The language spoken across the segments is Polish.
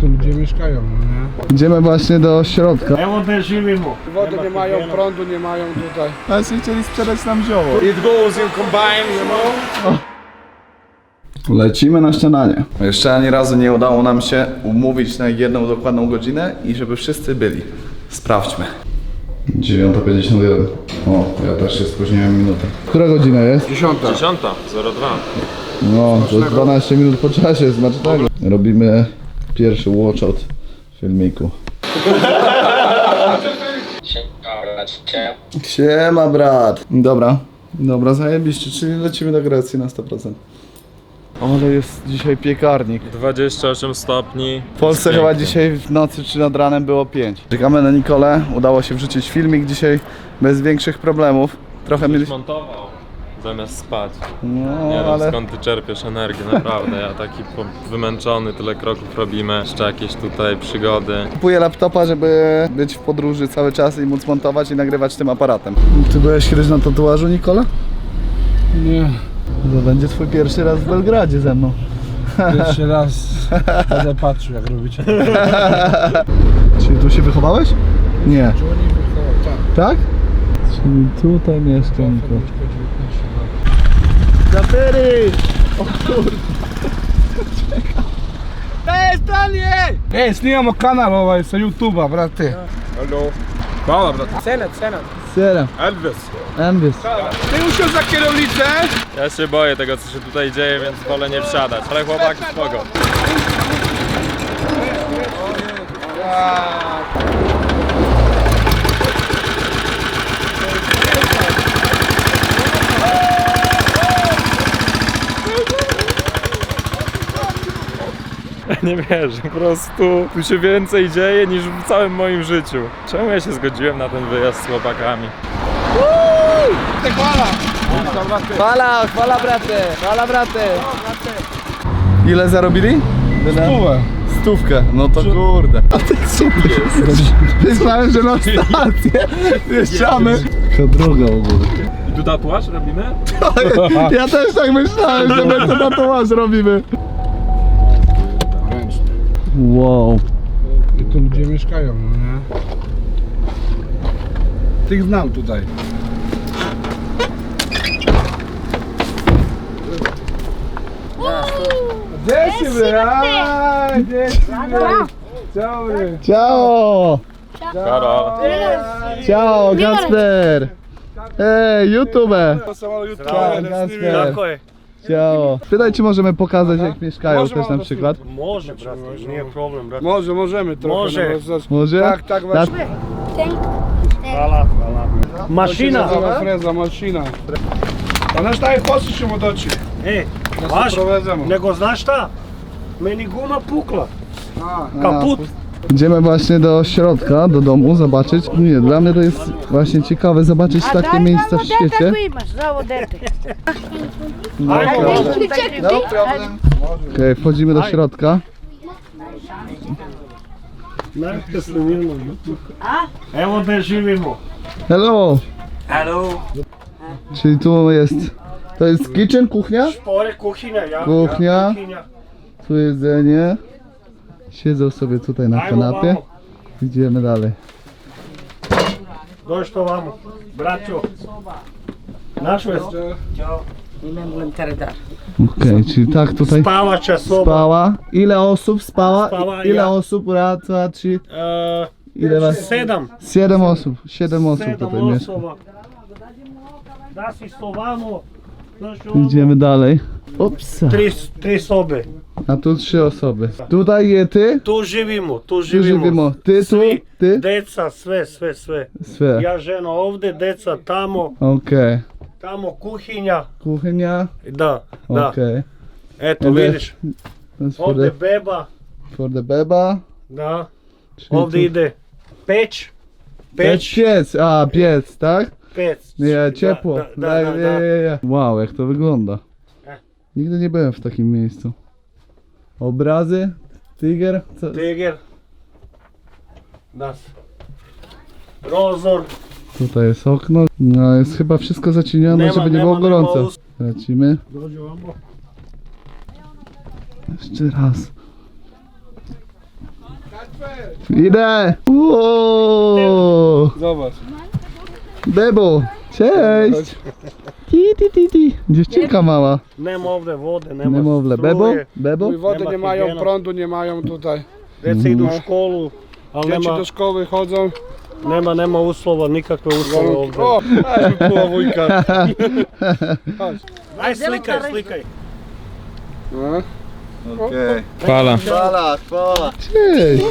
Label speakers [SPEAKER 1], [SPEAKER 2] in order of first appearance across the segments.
[SPEAKER 1] tu ludzie mieszkają, no nie?
[SPEAKER 2] Idziemy właśnie do środka.
[SPEAKER 1] Wody nie mają, prądu nie mają tutaj.
[SPEAKER 2] Ale się chcieli sprzedać nam zioło.
[SPEAKER 1] It goes in combine, you know?
[SPEAKER 2] Lecimy na śniadanie. Jeszcze ani razu nie udało nam się umówić na jedną dokładną godzinę i żeby wszyscy byli. Sprawdźmy. 9:51. O, ja też się spóźniłem minutę. Która godzina jest?
[SPEAKER 1] 10.
[SPEAKER 3] 10:02.
[SPEAKER 2] No, to 12 minut po czasie, smacznego. Robimy pierwszy watchout filmiku. Siema brat. Dobra, zajebiście, czyli lecimy do Grecji na 100%. Ale jest dzisiaj piekarnik.
[SPEAKER 3] 28 stopni.
[SPEAKER 2] W Polsce chyba dzisiaj w nocy czy nad ranem było 5. Czekamy na Nikolę, udało się wrzucić filmik dzisiaj bez większych problemów. Trochę mieliśmy...
[SPEAKER 3] Montował zamiast spać.
[SPEAKER 2] No,
[SPEAKER 3] Nie wiem
[SPEAKER 2] ale...
[SPEAKER 3] skąd ty czerpiesz energię, naprawdę. Ja taki wymęczony, tyle kroków robimy. Jeszcze jakieś tutaj przygody.
[SPEAKER 2] Kupuję laptopa, żeby być w podróży cały czas i móc montować i nagrywać tym aparatem. Ty byłeś kiedyś na tatuażu, Nikola?
[SPEAKER 1] Nie.
[SPEAKER 2] To będzie twój pierwszy raz w Belgradzie ze mną.
[SPEAKER 1] Pierwszy raz będę patrzył, jak robicie.
[SPEAKER 2] Czyli tu się wychowałeś? Nie. Tak? Czyli tutaj mieszkam. Zapery! O kurde.
[SPEAKER 1] Snimamo kanal ovaj sa YouTubea, brate. Halo. Hvala, brate.
[SPEAKER 2] Sera. Elvis.
[SPEAKER 1] Ty usiądź za kierownicę.
[SPEAKER 3] Ja się boję tego, co się tutaj dzieje, więc wolę nie wsiadać. Ale chłopaki spoko. Nie wierzę, po prostu tu się więcej dzieje niż w całym moim życiu. Czemu ja się zgodziłem na ten wyjazd z chłopakami?
[SPEAKER 2] Chwala brate. Ile zarobili? Stówkę. No to kurde. A ty super. Myślałem, że na stację wjeżdżamy. Jaka droga w ogóle.
[SPEAKER 3] I tu tatuaż robimy?
[SPEAKER 2] Ja też tak myślałem, że my to tatuaż robimy. Wow.
[SPEAKER 1] I tu ludzie mieszkają, no nie? Tych znam tutaj. Dzieci, Dobry.
[SPEAKER 2] Ciao.
[SPEAKER 3] Karol.
[SPEAKER 2] Ciao, Kacper. Ej, YouTube.
[SPEAKER 1] Ciao,
[SPEAKER 2] Kacper. Ciao. Pytaj, czy możemy pokazać, jak mieszkają też na przykład.
[SPEAKER 4] Może, brate, nije problem, brate.
[SPEAKER 1] Możemy trochę.
[SPEAKER 4] Może.
[SPEAKER 2] Może?
[SPEAKER 1] Tak, właśnie.
[SPEAKER 4] Hvala, hvala. Mašina.
[SPEAKER 1] Freza, mašina. A znaš šta je, poslije ćemo doći.
[SPEAKER 4] E,
[SPEAKER 1] Da se
[SPEAKER 4] vaš,
[SPEAKER 1] provezemo.
[SPEAKER 4] nego znaš šta? Meni guma pukla.
[SPEAKER 1] A,
[SPEAKER 4] Kaput.
[SPEAKER 2] Idziemy właśnie do środka, do domu, zobaczyć. Nie, dla mnie to jest właśnie ciekawe zobaczyć takie miejsca w świecie. No problem. Okej, wchodzimy do środka.
[SPEAKER 4] Najte snimimo YouTube. Evo gde živimo.
[SPEAKER 2] Hello!
[SPEAKER 4] Hello.
[SPEAKER 2] Czyli tu jest... To jest kitchen, kuchnia?
[SPEAKER 4] Špore, kuhinja, ja.
[SPEAKER 2] Kuchnia.
[SPEAKER 4] Ja, kuhinja.
[SPEAKER 2] Tu jedzenie. Siedzą sobie tutaj na
[SPEAKER 4] Ajmo
[SPEAKER 2] kanapie.
[SPEAKER 4] vamo.
[SPEAKER 2] Idziemy dalej.
[SPEAKER 4] Dođite vamo. Braćo. Naš vest.
[SPEAKER 2] Okej, czyli tak tutaj
[SPEAKER 4] Spavača soba.
[SPEAKER 2] spała. Ile osób spała?
[SPEAKER 4] Spała,
[SPEAKER 2] Ile
[SPEAKER 4] ja.
[SPEAKER 2] osób? Raz, dwa, trzy. Ile was?
[SPEAKER 4] 7.
[SPEAKER 2] 7 osób. 7 osób
[SPEAKER 4] 7
[SPEAKER 2] tutaj mieszka.
[SPEAKER 4] osoba. Da si sto vamo. Znaš ovo.
[SPEAKER 2] Idziemy dalej. Upsa.
[SPEAKER 4] Tri sobe.
[SPEAKER 2] A tu 3 osoby. Tutaj je ty?
[SPEAKER 4] Tu živimo, tu
[SPEAKER 2] Tu
[SPEAKER 4] živimo.
[SPEAKER 2] živimo. Ty tu?
[SPEAKER 4] Svi,
[SPEAKER 2] Ty?
[SPEAKER 4] deca, sve.
[SPEAKER 2] Sve.
[SPEAKER 4] Ja žena ovdje, deca tamo,
[SPEAKER 2] Okej.
[SPEAKER 4] tamo kuhinja.
[SPEAKER 2] Kuchnia?
[SPEAKER 4] Da.
[SPEAKER 2] Okej.
[SPEAKER 4] Eto
[SPEAKER 2] Ovdje-
[SPEAKER 4] vidiš,
[SPEAKER 2] To jest
[SPEAKER 4] ovdje beba,
[SPEAKER 2] for the beba.
[SPEAKER 4] da.
[SPEAKER 2] Czyli
[SPEAKER 4] Ovdje
[SPEAKER 2] tu-
[SPEAKER 4] ide peć.
[SPEAKER 2] Piec. A, piec, tak?
[SPEAKER 4] Pec.
[SPEAKER 2] Nie, ciepło.
[SPEAKER 4] Da.
[SPEAKER 2] Wow, jak to wygląda.
[SPEAKER 4] E.
[SPEAKER 2] Nigdy nie byłem w takim miejscu. Obrazy? Tiger? Co?
[SPEAKER 4] Tiger. Das. Rozor.
[SPEAKER 2] Tutaj jest okno. No jest chyba wszystko zacienione, żeby nie było gorąco. Lecimy.
[SPEAKER 4] Dođu vamo.
[SPEAKER 2] Jeszcze raz. Idę! Wow.
[SPEAKER 1] Zobacz.
[SPEAKER 2] Bebo! Cześć! Ti. Dziewczynka mała.
[SPEAKER 4] Nema ovde vode, nema
[SPEAKER 2] Niemowlę. Bebo?
[SPEAKER 4] struje.
[SPEAKER 2] Bebo?
[SPEAKER 1] Mój wody
[SPEAKER 4] Nie ma
[SPEAKER 1] nie mają,
[SPEAKER 4] higieny.
[SPEAKER 1] prądu nie mają tutaj.
[SPEAKER 4] Djeca idu u školu, ali
[SPEAKER 1] Dzieci
[SPEAKER 4] nema,
[SPEAKER 1] do szkoły chodzą.
[SPEAKER 4] nema uslova, nikakve uslove ovde.
[SPEAKER 1] O, aj mi pula wujka. Chodź.
[SPEAKER 4] Aj slikaj.
[SPEAKER 1] No.
[SPEAKER 2] Okej.
[SPEAKER 3] Fala.
[SPEAKER 2] Chwala. Cześć!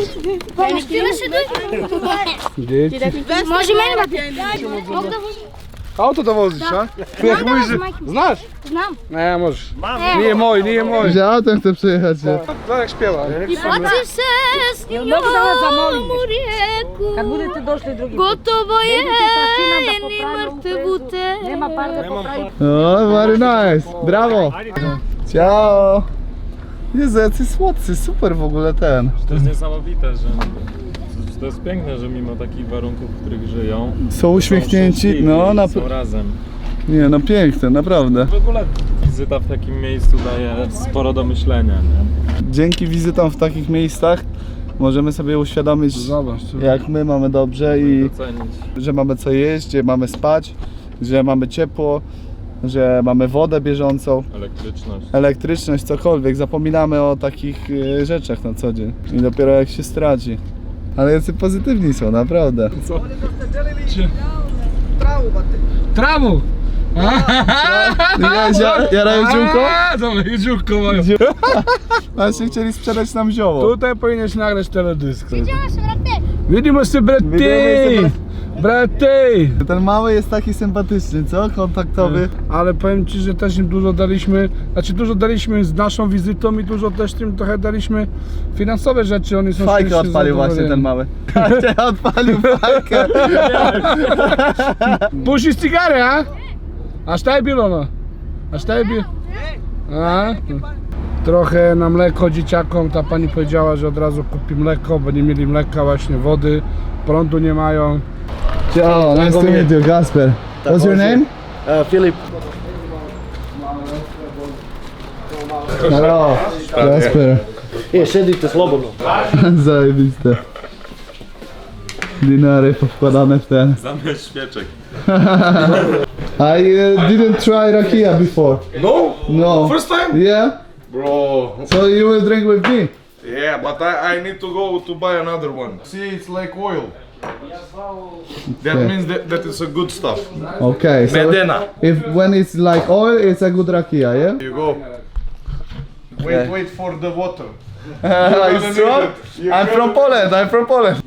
[SPEAKER 1] Dzieci.
[SPEAKER 5] Może meni
[SPEAKER 1] Auto dowozisz, a? Jak mówisz, że... Znasz?
[SPEAKER 5] Znam.
[SPEAKER 1] Nie, możesz. Nije mój.
[SPEAKER 2] Że autem chcę przyjechać.
[SPEAKER 1] Zobacz jak śpiewa.
[SPEAKER 5] Baci se s njom u rijeku.
[SPEAKER 6] Kad budete došli drugi put.
[SPEAKER 5] Gotovo je
[SPEAKER 6] Idete sa sinom da
[SPEAKER 5] ni
[SPEAKER 6] popravimo
[SPEAKER 5] mrtvu te.
[SPEAKER 6] Nema par da popravimo.
[SPEAKER 2] O, very nice. Brawo. Ciao. Jezu, jacy słodcy, super w ogóle ten.
[SPEAKER 3] To jest niesamowite, że to jest piękne, że mimo takich warunków, w których żyją,
[SPEAKER 2] Są uśmiechnięci,
[SPEAKER 3] szczęśliwi
[SPEAKER 2] no
[SPEAKER 3] i są razem.
[SPEAKER 2] nie no piękne, naprawdę.
[SPEAKER 3] W ogóle wizyta w takim miejscu daje sporo do myślenia, nie?
[SPEAKER 2] Dzięki wizytom w takich miejscach możemy sobie uświadomić,
[SPEAKER 1] Zobacz.
[SPEAKER 2] jak my mamy dobrze i
[SPEAKER 3] Docenić.
[SPEAKER 2] że mamy co jeść, gdzie mamy spać, że mamy ciepło, że mamy wodę bieżącą,
[SPEAKER 3] Elektryczność.
[SPEAKER 2] elektryczność, cokolwiek. Zapominamy o takich rzeczach na co dzień i dopiero jak się straci. Ale jacy pozytywni są, naprawdę.
[SPEAKER 1] Trawu!
[SPEAKER 2] Jarają dziółko?
[SPEAKER 1] Dobra, jedziówko mają.
[SPEAKER 2] Właśnie chcieli sprzedać nam zioło.
[SPEAKER 1] Tutaj powinieneś nagrać teledysk.
[SPEAKER 5] Widziałeś, brate?
[SPEAKER 1] Widzimy się,
[SPEAKER 2] Widzimy
[SPEAKER 1] braty!
[SPEAKER 2] Ten mały jest taki sympatyczny, co? Kontaktowy.
[SPEAKER 1] Ale powiem ci, że też im dużo daliśmy, dużo daliśmy z naszą wizytą i dużo też im trochę daliśmy finansowe rzeczy. Oni są
[SPEAKER 2] Fajkę
[SPEAKER 1] szczęśliwi,
[SPEAKER 2] odpalił właśnie ten
[SPEAKER 1] zadowoleni.
[SPEAKER 2] mały. Odpalił fajkę.
[SPEAKER 1] Puścisz cygary, a? Aż tak było, no. Aż tak było. A? Trochę na mleko dzieciakom, ta pani powiedziała, że od razu kupi mleko, bo nie mieli mleka, właśnie wody, prądu nie mają.
[SPEAKER 2] Ciao, nice to meet you, Gasper. What's your name?
[SPEAKER 4] Filip.
[SPEAKER 2] Hello, Gasper.
[SPEAKER 4] Sedite slobodno.
[SPEAKER 2] Zajebiste. Dinary powkładane w ten.
[SPEAKER 3] Zamysł świeczek.
[SPEAKER 2] I didn't try rakia before.
[SPEAKER 7] No?
[SPEAKER 2] No.
[SPEAKER 7] First time?
[SPEAKER 2] Yeah?
[SPEAKER 7] Bro.
[SPEAKER 2] So you will drink with me?
[SPEAKER 7] Yeah, but I need to go to buy another one. See, it's like oil. That
[SPEAKER 2] Okay.
[SPEAKER 7] means that it's a good stuff.
[SPEAKER 2] Okay, so
[SPEAKER 7] Medena.
[SPEAKER 2] when it's like oil, it's a good rakia, yeah?
[SPEAKER 7] Here you go.
[SPEAKER 2] Yeah.
[SPEAKER 7] Wait for the water.
[SPEAKER 2] It's strong? I'm from Poland.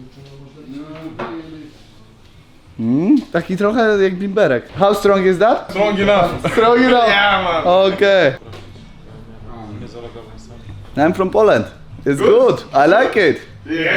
[SPEAKER 2] Taki trochę jak bimberek. How strong is that?
[SPEAKER 7] Strong enough.
[SPEAKER 2] Strong enough.
[SPEAKER 7] Yeah, man.
[SPEAKER 2] Okay. I'm from Poland. It's good. I like it.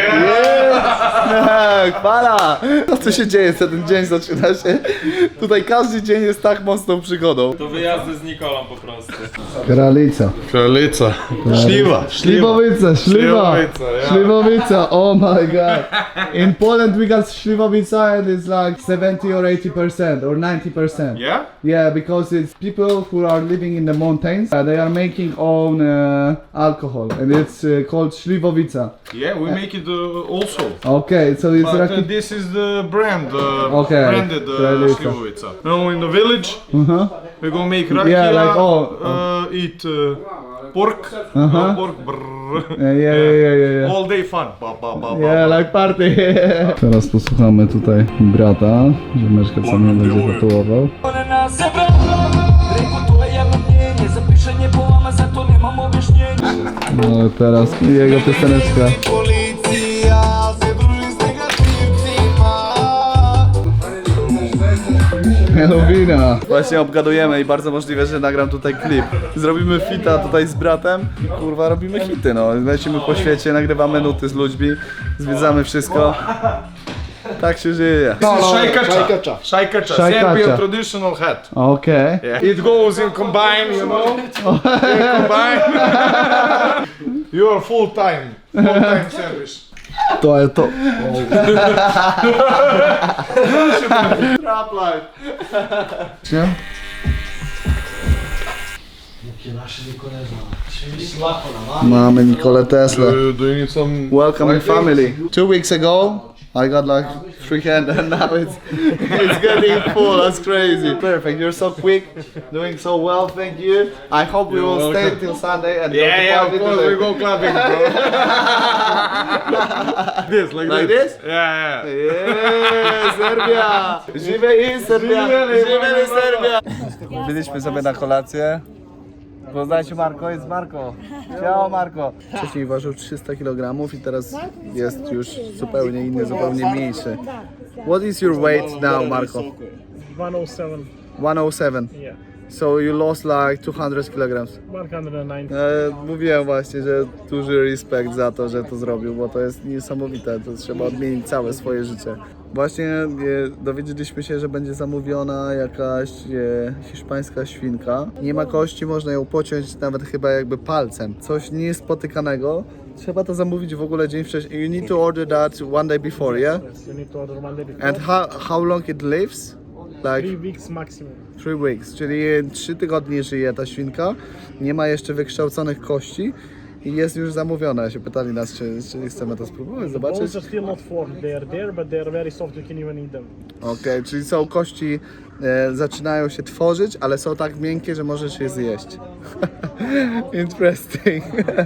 [SPEAKER 7] Yeah.
[SPEAKER 2] Chwala! Co się dzieje, co ten dzień zaczyna się? Tutaj każdy dzień jest tak mocną przygodą.
[SPEAKER 3] To wyjazdy z Nikolą po prostu.
[SPEAKER 2] Kralica.
[SPEAKER 7] Kralica. Śliwa.
[SPEAKER 2] Śliwowica, śliwa.
[SPEAKER 7] Śliwowica, yeah.
[SPEAKER 2] Śliwowica, oh my god. In Poland we got śliwowica and it's like 70 or 80% or 90%.
[SPEAKER 7] Yeah?
[SPEAKER 2] Yeah, because it's people who are living in the mountains. They are making own alcohol and it's called śliwowica.
[SPEAKER 7] Yeah, we make it also.
[SPEAKER 2] Okay, so it's
[SPEAKER 7] But
[SPEAKER 2] raki...
[SPEAKER 7] this is the brand,
[SPEAKER 2] Okay,
[SPEAKER 7] branded
[SPEAKER 2] Kralica.
[SPEAKER 7] Śliwowica. No, in the village, we're gonna make rakia,
[SPEAKER 2] Yeah, like
[SPEAKER 7] eat pork, pork, brrr.
[SPEAKER 2] Yeah.
[SPEAKER 7] All day fun. Ba, ba, ba, ba,
[SPEAKER 2] Yeah,
[SPEAKER 7] ba.
[SPEAKER 2] like party. Teraz posłuchamy tutaj brata, ziomeczka co mnie będzie tatuował. No teraz jego pioseneczka. Melowina. Właśnie obgadujemy i bardzo możliwe, że nagram tutaj klip. Zrobimy fita tutaj z bratem i kurwa robimy hity, no. Lecimy po świecie, nagrywamy nuty z ludźmi, zwiedzamy wszystko. Tak się żyje.
[SPEAKER 7] This is Shaikacha.
[SPEAKER 2] Shaikacha.
[SPEAKER 7] Serbian traditional hat.
[SPEAKER 2] Okej.
[SPEAKER 7] Yeah. It goes in combine, you know. In combine. You are full time service.
[SPEAKER 2] To jest to. Trap life. Mamy Nikolę Tesla.
[SPEAKER 7] Do you need some?
[SPEAKER 2] Welcome family. 2 weeks ago, I got like free hand and now it's getting full. That's crazy. Perfect. You're so quick, doing so well. Thank you. I hope we will stay till Sunday and
[SPEAKER 7] Yeah,
[SPEAKER 2] go
[SPEAKER 7] of
[SPEAKER 2] to
[SPEAKER 7] course
[SPEAKER 2] party
[SPEAKER 7] we go clubbing, bro. This,
[SPEAKER 2] Like this?
[SPEAKER 7] Yeah, yeah.
[SPEAKER 2] Yeah, Serbia! Żywej Serbia! Żywej Serbia! Byliśmy sobie na kolację. Poznajcie Marko, jest Marko. Ciao Marko. Wcześniej ważył 300 kg i teraz jest już zupełnie inny, zupełnie mniejszy. What is your weight now, Marko?
[SPEAKER 4] 107.
[SPEAKER 2] 107.
[SPEAKER 4] Yeah.
[SPEAKER 2] So you lost like 200 kg.
[SPEAKER 4] 109.
[SPEAKER 2] Mówiłem właśnie, że duży respekt za to, że to zrobił, bo to jest niesamowite, to trzeba odmienić całe swoje życie. Właśnie dowiedzieliśmy się, że będzie zamówiona jakaś hiszpańska świnka. Nie ma kości, można ją pociąć nawet chyba jakby palcem. Coś niespotykanego. Trzeba to zamówić w ogóle dzień wcześniej. You need to order that one day before, yeah?
[SPEAKER 4] You need to order 1 day before.
[SPEAKER 2] And how long it lives? Like
[SPEAKER 4] 3 weeks maximum.
[SPEAKER 2] 3 weeks, czyli 3 tygodnie żyje ta świnka, nie ma jeszcze wykształconych kości i jest już zamówiona. Się pytali nas, czy chcemy to spróbować, zobaczyć.
[SPEAKER 4] Bones are still not formed. They are there, but they are very soft. You can even eat them.
[SPEAKER 2] Okej, czyli są kości, zaczynają się tworzyć, ale są tak miękkie, że możesz je zjeść. Interesting.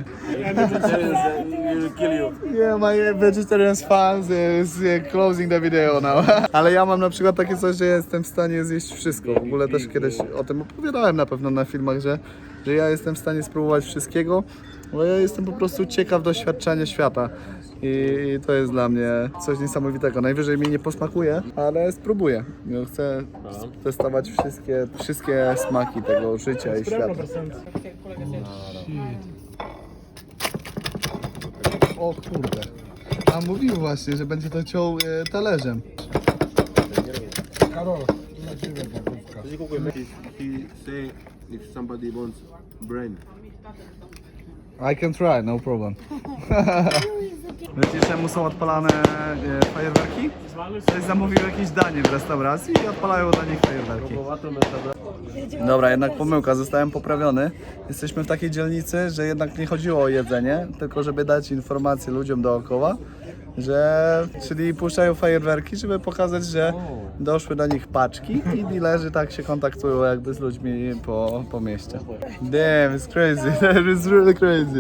[SPEAKER 2] Yeah, my vegetarian fans is closing the video now. Ale ja mam na przykład takie coś, że jestem w stanie zjeść wszystko. W ogóle też kiedyś o tym opowiadałem na pewno na filmach, że ja jestem w stanie spróbować wszystkiego, bo ja jestem po prostu ciekaw doświadczenia świata. I to jest dla mnie coś niesamowitego. Najwyżej mi nie posmakuje, ale spróbuję. Ja chcę testować wszystkie smaki tego życia i świata.
[SPEAKER 4] 100%.
[SPEAKER 2] O kurde. A mówił właśnie, że będzie to ciął talerzem.
[SPEAKER 1] Karol, dla ciebie gotówka.
[SPEAKER 8] He say if somebody wants brain.
[SPEAKER 2] I can try, no problem. Wiecie czemu są odpalane fajerwerki? Ktoś zamówił jakieś danie w restauracji i odpalają dla nich fajerwerki. Dobra, jednak pomyłka, zostałem poprawiony. Jesteśmy w takiej dzielnicy, że jednak nie chodziło o jedzenie, tylko żeby dać informacje ludziom dookoła, czyli puszczają fajerwerki, żeby pokazać, że doszły do nich paczki i dealerzy tak się kontaktują jakby z ludźmi po mieście. Damn, it's crazy, that is really crazy.